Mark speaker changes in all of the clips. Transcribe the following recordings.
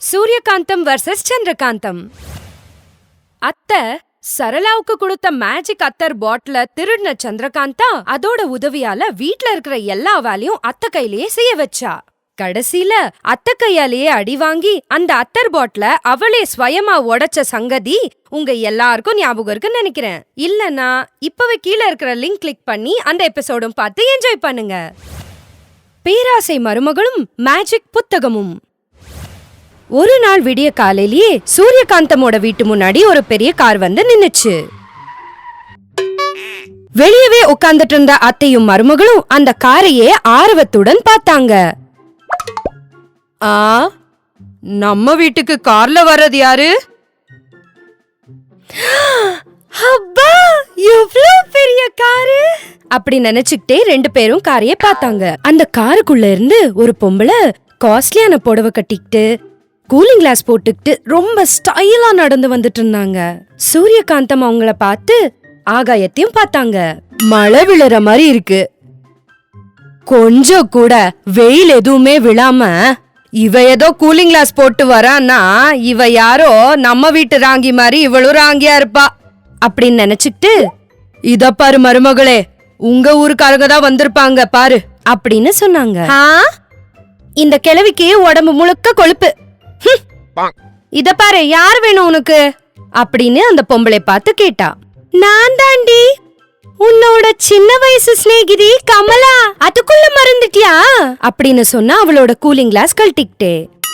Speaker 1: Suryakantham versus Chandrakantham. அத்தை சரளாவுக்கு கொடுத்த magic அத்தர் பாட்டில திருடின சந்திரகாந்தா அதோட உதவியால வீட்ல இருக்கிற எல்லா வேலையும் அத்தை கையிலேயே செய்ய வச்சா. கடைசியில அத்தை கையாலேயே அடி வாங்கி அந்த அத்தர் பாட்டில அவளே ஸ்வயமா உடைச்ச சங்கதி உங்க எல்லாருக்கும் ஞாபகம் இருக்குன்னு நினைக்கிறேன். இல்லனா இப்பவே கீழே இருக்கிற லிங்க் கிளிக் பண்ணி அந்த எபிசோடும் பார்த்து என்ஜாய் பண்ணுங்க. பேராசை மருமகளும் மேஜிக் புத்தகமும். ஒரு நாள் விடிய காலையிலேயே சூரியகாந்தமோட வீட்டு முன்னாடி ஒரு பெரிய கார் வந்து நின்னுச்சு. வெளியவே உட்கார்ந்துட்டு இருந்த அத்தையும் மருமகளும் அந்த காரையே ஆர்வத்துடன் பார்த்தாங்க. நம்ம வீட்டுக்கு கார்ல வர்றது யாரு? அப்பா, எவ்வளவு பெரிய காரு! அப்படி நினைச்சுக்கிட்டே ரெண்டு பேரும் காரையே பார்த்தாங்க. அந்த காருக்குள்ள இருந்து ஒரு பொம்பளை காஸ்ட்லியான புடவை கட்டிக்கிட்டு கூலிங் கிளாஸ் போட்டுக்கிட்டு ரொம்ப ஸ்டைலா நடந்து வந்துட்டு இருந்தாங்க. சூரியகாந்தம் அவங்கள பார்த்து ஆகாயத்தையும் பார்த்தாங்க. மழை விழுற மாதிரி இருக்கு. கொஞ்சம் கூட வெயில் எதுவுமே விழாம இவ ஏதோ கூலிங் கிளாஸ் போட்டு வரான்னா இவ யாரோ நம்ம வீட்டு ராங்கி மாதிரி இவளும் ராங்கியா இருப்பா அப்படின்னு நினைச்சுக்கிட்டு, இத பாரு மருமகளே, உங்க ஊருக்காரங்க தான் வந்திருப்பாங்க பாரு அப்படின்னு சொன்னாங்க. இந்த கிழவிக்கு உடம்பு முழுக்க கொழுப்பு. இத பாரு, யார் வேணும் உனக்கு அப்படின்னு அந்த பொம்பளை பார்த்து கேட்டா. நான் தாண்டி, உன்னோட சின்ன வயசு சிநேகிதி கமலா. அதுக்குள்ள மறந்துட்டியா அப்படின்னு சொன்னா அவளோட கூலிங் கிளாஸ் கழட்டிக்கிட்டே.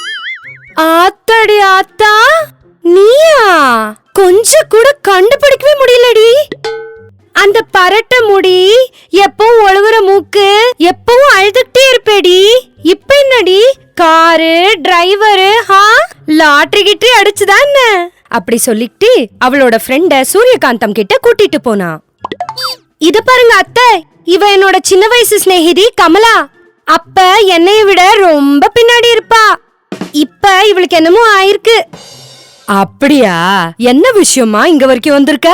Speaker 1: ஆத்தாடி ஆத்தா, நீயா? கொஞ்சம் கூட கண்டுபிடிக்கவே முடியலடி. அந்த பரட்ட முடி, எப்பவும் ஒழுகுற மூக்கு, எப்பவும் அழுதுகிட்டே இருப்பேடி. இப்ப என்னடி காரு டிரைவரு லாட்டரி கிட்டே அடிச்சுதான் அப்படி சொல்லிட்டு அவளோட ஃப்ரெண்ட சூரியகாந்தம் கிட்ட கூட்டிட்டு போனா. இத பாருங்க அத்தை, இவ என்னோட சின்ன வயசு சிநேகிதி கமலா. அப்ப என்னைய விட ரொம்ப பின்னாடி இருப்பா. இப்ப இவளுக்கு என்னமோ ஆயிருக்கு. அப்படியா? என்ன விஷயமா இங்க வரைக்கும் வந்திருக்க?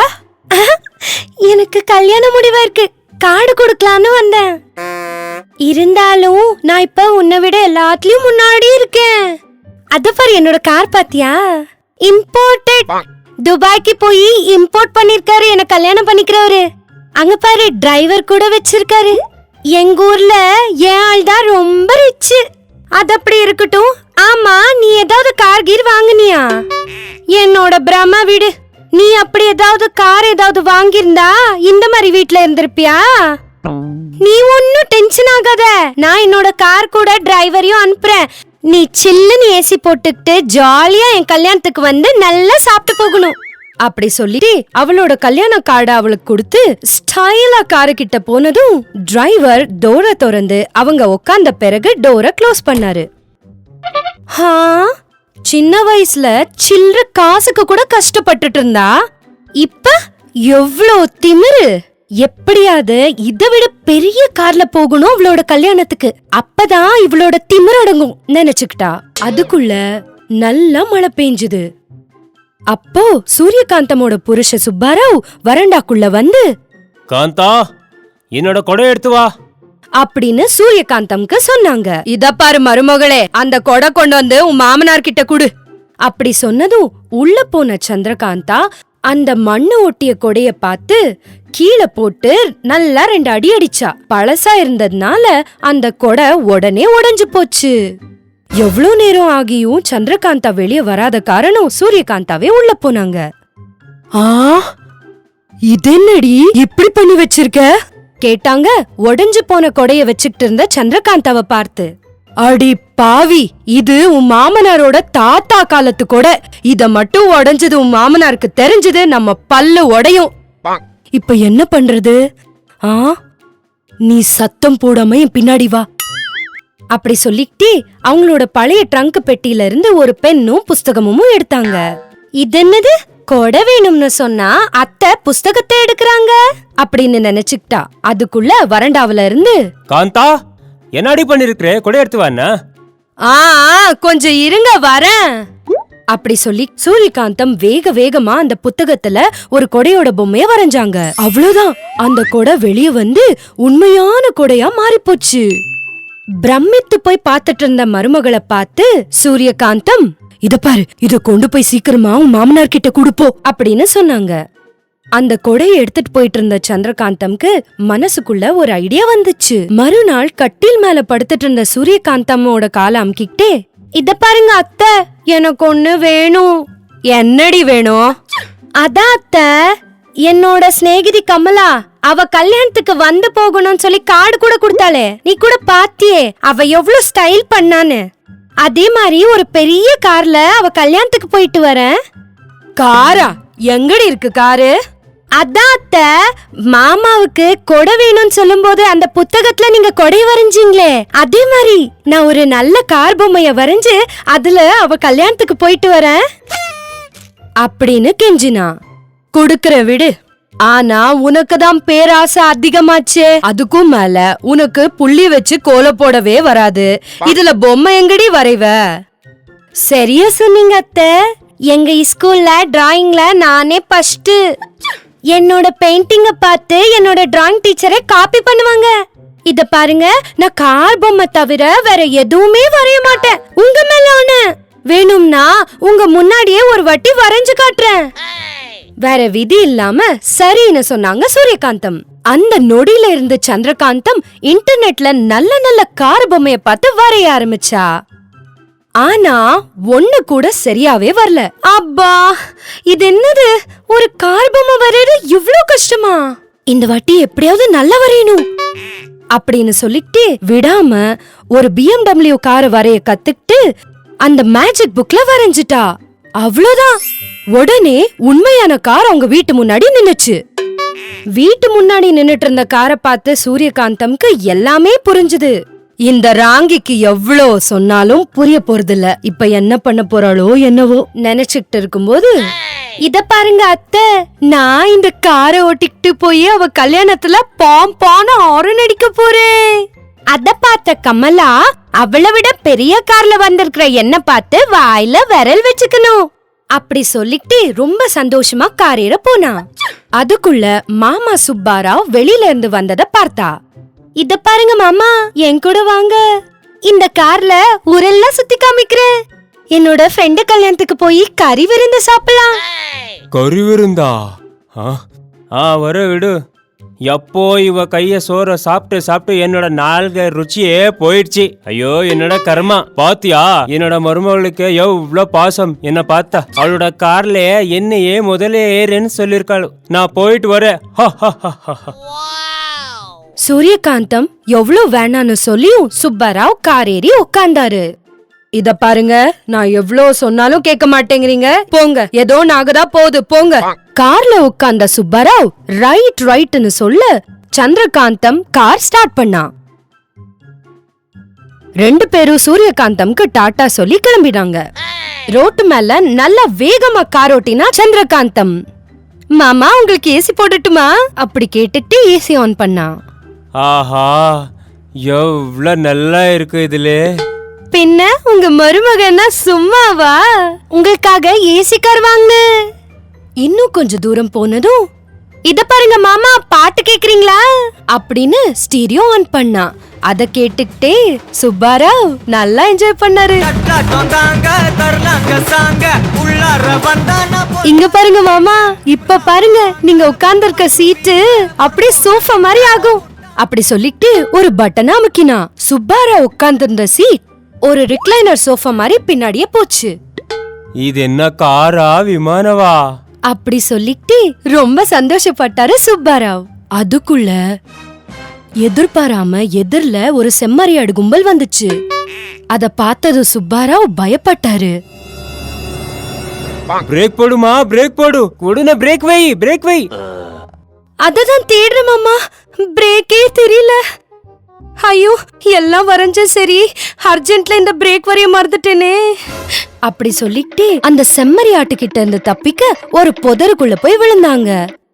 Speaker 1: எனக்கு கல்யாண முடிவா இருக்கு, கார்டு கொடுக்கலான்னு வந்தேன். இருந்தாலும் நான் இப்ப உன்னை விட எல்லாத்துலயும் முன்னாடி இருக்கேன். அத பாரு, என்னோட கார் பாத்தியா? இம்போர்ட்டட். துபாய்க்கு போய் இம்போர்ட் பண்ணிருக்காரு என்ன கல்யாணம் பண்ணிக்கிறவரு. அங்க பாரு, டிரைவர் கூட வச்சிருக்காரு. எங்க ஊர்ல என் ஆள் தான் ரொம்ப ரிச். அது அப்படி இருக்கட்டும். ஆமா, நீ ஏதாவது கார் கீர் வாங்குனியா? என்னோட பிரம்ம வீடு. நீ அப்படி ஏதாவது கார் ஏதாவது வாங்கியிருந்தா இந்த மாதிரி வீட்ல இருந்திருப்பியா? நீ ஒன்னும் டென்ஷன் ஆகாத, நான் என்னோட கார் கூட டிரைவரையும் அனுப்புறேன். நீ சில்லுன்னு ஏசி போட்டுக்கிட்டு ஜாலியா என் கல்யாணத்துக்கு வந்து நல்லா சாப்பிட்டு போகணும் அப்படி சொல்லிட்டு அவளோட கல்யாண கார்டை அவளுக்கு கொடுத்து ஸ்டைலா காரு கிட்ட போனதும் டிரைவர் டோரை திறந்து அவங்க உட்கார்ந்த பிறகு டோரை க்ளோஸ் பண்ணாரு. சின்ன வயசுல சில்லற காசுக்கு கூட கஷ்டப்பட்டுட்டு இருந்தா, இப்ப எவ்வளோ திமிரு! எப்படியாவது இதை விட பெரிய கார்ல போகணும் அவளோட கல்யாணத்துக்கு, அப்பதான் இவளோட திமிரு அடங்கும் நினைச்சுக்கிட்டா. அதுக்குள்ள நல்லா மழை பெஞ்சுது. அப்போ சூரியகாந்தமோட புருஷ சுப்பாராவ் வரண்டாக்குள்ள வந்து,
Speaker 2: காந்தா, என்னோட கொடை எடுத்து வா
Speaker 1: அப்படின்னு சூரியகாந்தம்க்கு சொன்னாங்க. இத பாரு மருமகளே, அந்த கொடை கொண்டு வந்து உன் மாமனார் கிட்ட குடு அப்படி சொன்னதும் உள்ள போன சந்திரகாந்தா அந்த மண்ணு ஒட்டிய கொடைய பார்த்து கீழே போட்டு நல்லா 2 அடி அடிச்சா. பழசா இருந்ததுனால அந்த கொடை உடனே உடைஞ்சு போச்சு. எவ்வளவு நேரம் ஆகியும் சந்திரகாந்தா வெளியே வராத காரணம் சூரியகாந்தாவே உள்ள போனாங்க. இது என்னடி இப்படி பண்ணி வச்சிருக்க கேட்டாங்க உடைஞ்சு போன கொடைய வச்சுக்கிட்டு இருந்த சந்திரகாந்தாவை பார்த்து. அடி பாவி, இது உன் மாமனாரோட தாத்தா காலத்து கொடை. இத மட்டும் உடைஞ்சது உன் மாமனாருக்கு தெரிஞ்சது நம்ம பல்லு உடையும். இப்ப என்ன பண்றது? நீ சத்தம் போடாம என் பின்னாடி வா அப்படி சொல்லிக்கிட்டே அவங்களோட பழைய ட்ரங்க் பெட்டியில இருந்து ஒரு பென்னும் புஸ்தகமும் எடுத்தாங்க. இது என்னது? கொடை வேணும்னு சொன்னா அத்தை புஸ்தகத்தை எடுக்கிறாங்க அப்படின்னு நினைச்சுக்கிட்டா. அதுக்குள்ள வரண்டாவில இருந்து,
Speaker 2: காந்தா, என்னடி பண்ணிருக்கிற, கொடை எடுத்து வாண்ணா.
Speaker 1: கொஞ்சம் இருங்க வரேன் அப்படி சொல்லி சூரியகாந்தம் வேக வேகமா அந்த புத்தகத்துல ஒரு கொடையோட பொம்மைய வரைஞ்சாங்க. அவ்வளவுதான், அந்த கொடை வெளியே வந்து உண்மையான கொடையா மாறிப்போச்சு. பிரமித்து போய் பார்த்துட்டு இருந்த மருமகளை பார்த்து சூரியகாந்தம், இத பாரு, இத கொண்டு போய் சீக்கிரமா உன் மாமனார் கிட்ட கொடுப்போ அப்படின்னு சொன்னாங்க. அந்த கொடையை எடுத்துட்டு போயிட்டு இருந்த சந்திரகாந்தம்க்கு மனசுக்குள்ள ஒரு ஐடியா வந்துச்சு. மறுநாள் கட்டில் மேல படுத்துட்டு இருந்த சூரியகாந்தம்மோட காலை அமுக்கிட்டே, இத பாருங்க அத்தை, எனக்கு ஒண்ணு வேணும். என்னடி வேணும்? அதான் அத்தை, என்னோட சிநேகிதி கமலா அவ கல்யாணத்துக்கு வந்து போகணும்னு சொல்லி கார்டு கூட கொடுத்தாளே, நீ கூட பாத்தியே அவ எவ்வளவு ஸ்டைல் பண்ணான்னு. அதே மாதிரி ஒரு பெரிய கார்ல அவ கல்யாணத்துக்கு போயிட்டு வரேன். காரா? எங்கடி இருக்கு காரு? அதான் அத்தை, மாமாவுக்கு கொடை வேணும்னு சொல்லும் போது அந்த புத்தகத்துல நீங்க கொடை வரைஞ்சீங்களே, அதே மாதிரி நான் ஒரு நல்ல கார் பொம்மைய வரைஞ்சு அதுல அவ கல்யாணத்துக்கு போயிட்டு வரேன் அப்படின்னு கெஞ்சினா. கொடுக்கற விடு, ஆனா உனக்குதான் பேராசை அதிகமாச்சே. அதுக்கும் மேல உனக்கு புள்ளி வச்சு கோலம் போடவே வராது, இதுல பொம்மை எங்கடி வரைவ? சரியா சொன்னீங்க அத்தை. எங்க ஸ்கூல்ல டிராயிங்ல நானே ஃபர்ஸ்ட். என்னோட பெயிண்டிங்க பார்த்து என்னோட டிராயிங் டீச்சரே காப்பி பண்ணுவாங்க. இத பாருங்க, நான் கார் பொம்மை தவிர வேற எதுவுமே வரைய மாட்டேன். உங்க மேல ஆணை. வேணும்னா உங்க முன்னாடியே ஒரு வாட்டி வரைஞ்சு காட்டுறேன். வேற விதி இல்லாம சரின்னு சொன்னாங்க சூரியகாந்தம். அந்த நொடியில இருந்து சந்திரகாந்தம் இன்டர்நெட்ல நல்ல நல்ல கார் பொம்மைய பார்த்து வரைய ஆரம்பிச்சா. ஆனா ஒண்ணு கூட சரியாவே வரல. அப்பா, இது என்னது, ஒரு கார் பொம்மை வரையறது இவ்ளோ கஷ்டமா? இந்த வாட்டி எப்படியாவது நல்லா வரையணும் அப்படின்னு சொல்லிட்டு விடாம ஒரு BMW காரை வரைய கத்துக்கிட்டு அந்த மேஜிக் புக்ல வரைஞ்சிட்டா. அவ்வளவுதான், உடனே உண்மையான கார் அவங்க வீட்டு முன்னாடி நின்னுச்சு. வீட்டு முன்னாடி நின்னுட்டு இருந்த காரை பார்த்து சூரியகாந்தம்க்கு எல்லாமே புரிஞ்சுது. இந்த ராங்கிக்கு எவ்வளோ சொன்னாலும் புரிய போறதில்ல, இப்ப என்ன பண்ண போறாளோ என்னவோ நினைச்சுக்கிட்டு இருக்கும்போது, இத பாருங்க அத்தை, நான் இந்த காரை ஓட்டிக்கிட்டு போய் அவ கல்யாணத்துல பாம்பான ஹாரன் அடிக்க போறேன். அத பார்த்த கமலா, அவளை விட பெரிய கார்ல வந்திருக்கிற என்ன பார்த்து வாயில விரல் வச்சுக்கணும் அப்படி சொல்லிட்டு ரொம்ப சந்தோஷமா காரேற போனா. அதுக்குள்ள மாமா சுப்பாராவ் வெளியில இருந்து வந்தத பார்த்தா. இத பாருங்க மாமா, என் கூட வாங்க, இந்த கார்ல ஊரெல்லாம் சுத்தி காமிக்கிறேன். என்னோட ஃப்ரெண்டு கல்யாணத்துக்கு போய் கறி விருந்து சாப்பிடலாம்.
Speaker 2: கறி விருந்தா? வர விடு. எப்போ இவ கைய சோற சாப்பிட்டு சாப்பிட்டு என்னோட நாள்க ருச்சியே போயிடுச்சு. ஐயோ என்னோட கர்மா. பாத்தியா என்னோட மருமகளுக்கு எவ்வளோ பாசம் என்ன பார்த்தா. அவளோட கார்ல என்னையே முதல்ல ஏறேன்னு சொல்லிருக்காளு. நான் போயிட்டு வரேன்.
Speaker 1: சூரியகாந்தம் எவ்வளவு வேணான்னு சொல்லியும் சுப்பராவ் காரேறி உட்கார்ந்தாரு. இத பாருங்க, நான் எவ்வளவு சொன்னாலும் கேட்க மாட்டேங்கிறீங்க, போங்க, ஏதோ நாகதா போகுது போங்க. கார்ல உட்கார்ந்த சுப்பராவ் ரைட்னு சொல்ல சந்திரகாந்தம் கார் ஸ்டார்ட் பண்ணா. ரெண்டு பேரும் சூரியகாந்தம்க்கு டாட்டா சொல்லி கிளம்பினாங்க. ரோட்டு மேல நல்ல வேகமா கார் ஓட்டினா சந்திரகாந்தம். மாமா, உங்களுக்கு ஏசி போடட்டுமா அப்படி கேட்டுட்டு ஏசி ஆன் பண்ணா.
Speaker 2: ஆஹா, எவ்வளவு நல்லா இருக்கு இதுல.
Speaker 1: பின்ன உங்க மருமகன்னா சும்மாவா, உங்களுக்காக ஏசி கார் வாங்க. இன்னும் கொஞ்ச தூரம் போனதும், இத பாருங்க மாமா, பாட்டு கேக்குறீங்களா அப்படின்னு ஸ்டீரியோ ஆன் பண்ணா. அத கேட்டுக்கிட்டே சுப்பாராவ் நல்லா என்ஜாய் பண்ணாரு. இங்க பாருங்க மாமா, இப்ப பாருங்க, நீங்க உட்கார்ந்திருக்க சீட்டு அப்படியே சோஃபா மாதிரி ஆகும் அப்படி சொல்லிட்டு ஒரு பட்டனை அமுக்கினா. சுப்பாராவ் உட்கார்ந்திருந்த சீட் ஒரு ரிக்ளைனர் சோஃபா மாதிரி பின்னாடியே போச்சு.
Speaker 2: இது என்ன காரா விமானவா
Speaker 1: அப்படி சொல்லிட்டு ரொம்ப சந்தோஷப்பட்டாரு சுப்பாராவ். அதுக்குள்ள எதிர்பாராம எதிர்ல ஒரு செம்மறியாடு கும்பல் வந்துச்சு. அத பார்த்தது சுப்பாராவ் பயப்பட்டாரு.
Speaker 2: பிரேக் போடுமா, பிரேக் போடு, உடனே பிரேக் வை.
Speaker 1: அததான் தேடுற மாமா, பிரேக்கே தெரியல. ஐயோ, எல்லாம் வரைஞ்ச சரி, அர்ஜென்ட்ல இந்த பிரேக் வரைய மறந்துட்டேனே அப்படி சொல்லிட்டு அந்த செம்மறி ஆட்டுக்கிட்ட இருந்து தப்பிக்க ஒரு புதருக்குள்ள போய் விழுந்தாங்க.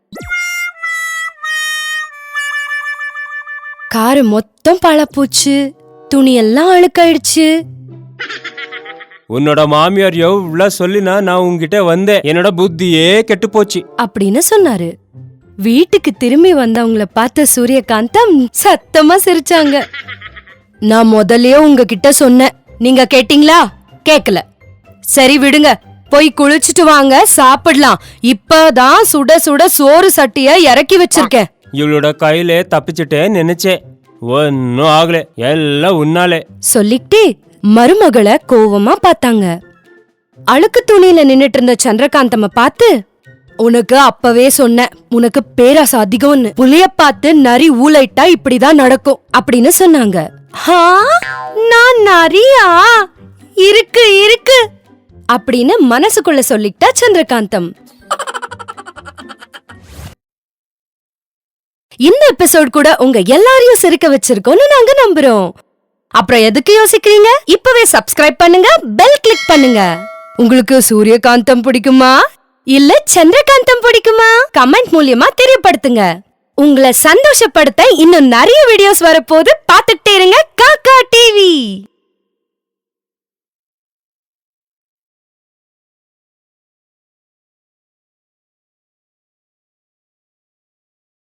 Speaker 1: காரு மொத்தம் பழப்போச்சு, துணி எல்லாம் அழுக்காயிடுச்சு.
Speaker 2: உன்னோட மாமியார் எவ்வளவு சொல்லினா நான் உங்ககிட்ட வந்தேன், என்னோட புத்தியே கெட்டு போச்சு
Speaker 1: அப்படின்னு சொன்னாரு. வீட்டுக்கு திரும்பி வந்தவங்கள பார்த்த சூரியகாந்தம் சத்தமா சிரிச்சாங்க. நான் முதல்லயே உங்ககிட்ட சொன்னேன், நீங்க கேட்டீங்களா? கேக்கல. சரி விடுங்க, போய் குளிச்சுட்டு வாங்க, சாப்பிடலாம். இப்பதான் சுட சுட சோறு சட்டிய இறக்கி வச்சிருக்கேன்.
Speaker 2: இவளோட கையிலே தப்பிச்சுட்டே நினைச்சேன், ஒன்னும் ஆகல, எல்லாம் உன்னாலே.
Speaker 1: சொல்லிட்டு மருமகளை கோவமா பார்த்தாங்க. அழுக்கு துணியில நின்னுட்டு இருந்த சந்திரகாந்தம்ம பார்த்து, உனக்கு அப்பவே சொன்னேன், உனக்கு பேராசை அதிகம்னு. புலிய பார்த்து நரி ஊளைட்டா இப்படிதான் நடக்கும் அப்படின்னு சொன்னாங்க. நான் நரியா? இருக்கு இருக்கு அப்படின்னு மனசுக்குள்ள சொல்லிட்டா சந்திரகாந்தம். இந்த எபிசோட் கூட உங்க எல்லாரையும் சிரிக்க வச்சிருக்கோம்னு நாங்க நம்புறோம். அப்புறம் எதுக்கு யோசிக்கிறீங்க? இப்பவே சப்ஸ்கிரைப் பண்ணுங்க, பெல் கிளிக் பண்ணுங்க. உங்களுக்கு சூரியகாந்தம் பிடிக்குமா இல்ல சந்திரகாந்தம் பிடிக்குமா? கமெண்ட் மூலியமா தெரியப்படுத்துங்க. உங்களை சந்தோஷப்படுத்த இன்னும் நிறைய வீடியோஸ் வரப்போது, பார்த்துட்டே இருங்க காக்கா டிவி.